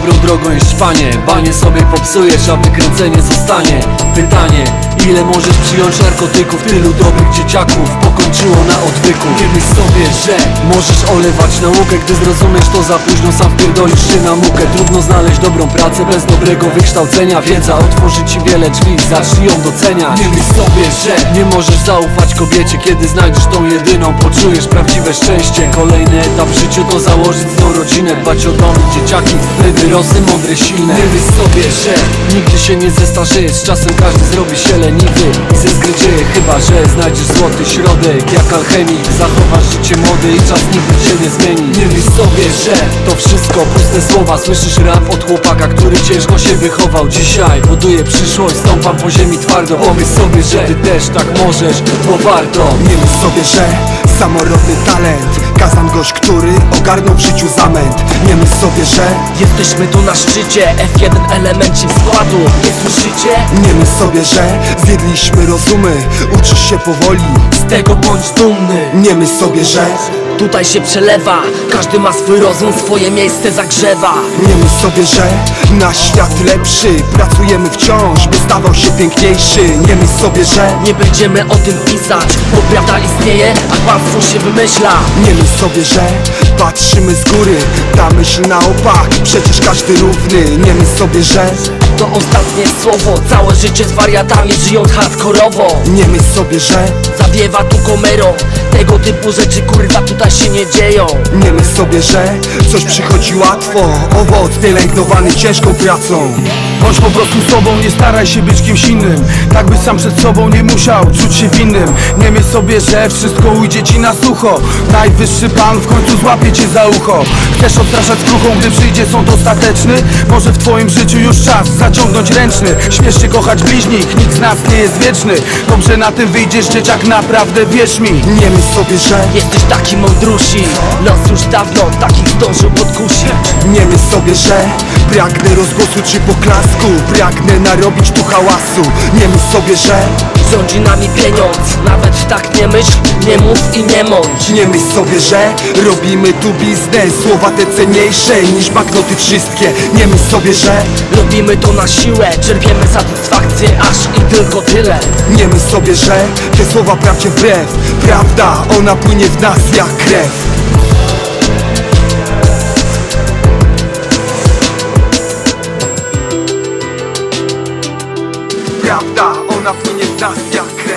dobrą drogą jest panie. Banie sobie popsujesz, a wykręcenie zostanie. Pytanie, ile możesz przyjąć narkotyków? Tylu dobrych dzieciaków pokończyło na odwyku. Nie myśl sobie, że możesz olewać naukę, gdy zrozumiesz to za późno, sam wpierdolisz się na mukę. Trudno znaleźć dobrą pracę bez dobrego wykształcenia. Wiedza otworzy ci wiele drzwi, zacznij ją doceniać. Nie myśl sobie, że nie możesz zaufać kobiecie, kiedy znajdziesz tą jedyną, poczujesz prawdziwe szczęście. Kolejny etap w życiu to założyć z nią rodzinę, dbać o dom i dzieciaki, by wyrosły mądre, silne. Nie myśl sobie, że nigdy się nie zestarzejesz, z czasem każdy zrobi się leniwy i ze zgrydzieje, chyba że znajdziesz złoty środek. Jak alchemik zachowasz życie młode i czas nigdy się nie zmieni. Nie myśl sobie, że to wszystko puste słowa. Słyszysz rap od chłopaka, który ciężko się wychował. Dzisiaj buduje przyszłość, stąpam po ziemi twardo. Pomyśl sobie, że ty też tak możesz, bo warto. Nie myśl sobie, że samorodny talent Kazan gość, który ogarnął w życiu zamęt. Nie myśl sobie, że jesteśmy tu na szczycie, F1 elemencie składu, nie słyszycie? Nie myśl sobie, że zjedliśmy rozumy, uczysz się powoli, Z tego bądź dumny. nie myśl sobie, że Tutaj się przelewa, każdy ma swój rozum, swoje miejsce zagrzewa. nie myśl sobie, że na świat lepszy pracujemy wciąż, by stawał się piękniejszy. Nie myśl sobie, że Nie będziemy o tym pisać, bo prawda istnieje, a kłamstwo się wymyśla. nie myśl sobie, że patrzymy z góry, ta myśl na opak, przecież każdy równy. Nie myśl sobie, że To ostatnie słowo, całe życie z wariatami żyjąc hardkorowo. nie myśl sobie, że Zawiewa tu komerą, tego typu rzeczy kurwa tutaj się nie dzieją. nie myśl sobie, że coś przychodzi łatwo, owoc pielęgnowany ciężką pracą. Bądź po prostu sobą, nie staraj się być kimś innym, tak byś sam przed sobą nie musiał czuć się winnym. Nie myśl sobie, że wszystko ujdzie ci na sucho, najwyższy pan w końcu złapie cię za ucho. Chcesz odstraszać skruchą, gdy przyjdzie sąd ostateczny? Może w twoim życiu już czas zaciągnąć ręczny. Śmiesz się kochać bliźnich, nikt z nas nie jest wieczny. Dobrze na tym wyjdziesz, dzieciak, naprawdę wierz mi. Nie myśl sobie, że Jesteś taki mądrusi, los już dawno takich zdążył podkusić. nie myśl sobie, że pragnę rozgłosu czy poklasku, pragnę narobić tu hałasu. Nie myśl sobie, że Rządzi nami pieniądz, nawet tak nie myśl, nie mów i nie mądź. nie myśl sobie, że robimy tu biznes, słowa te cenniejsze niż banknoty wszystkie. Nie myśl sobie, że Robimy to na siłę, czerpiemy satysfakcję, aż i tylko tyle. nie myśl sobie, że te słowa prawdzie wbrew. Prawda, ona płynie w nas jak krew. Prawda, ona płynie w nas jak krew.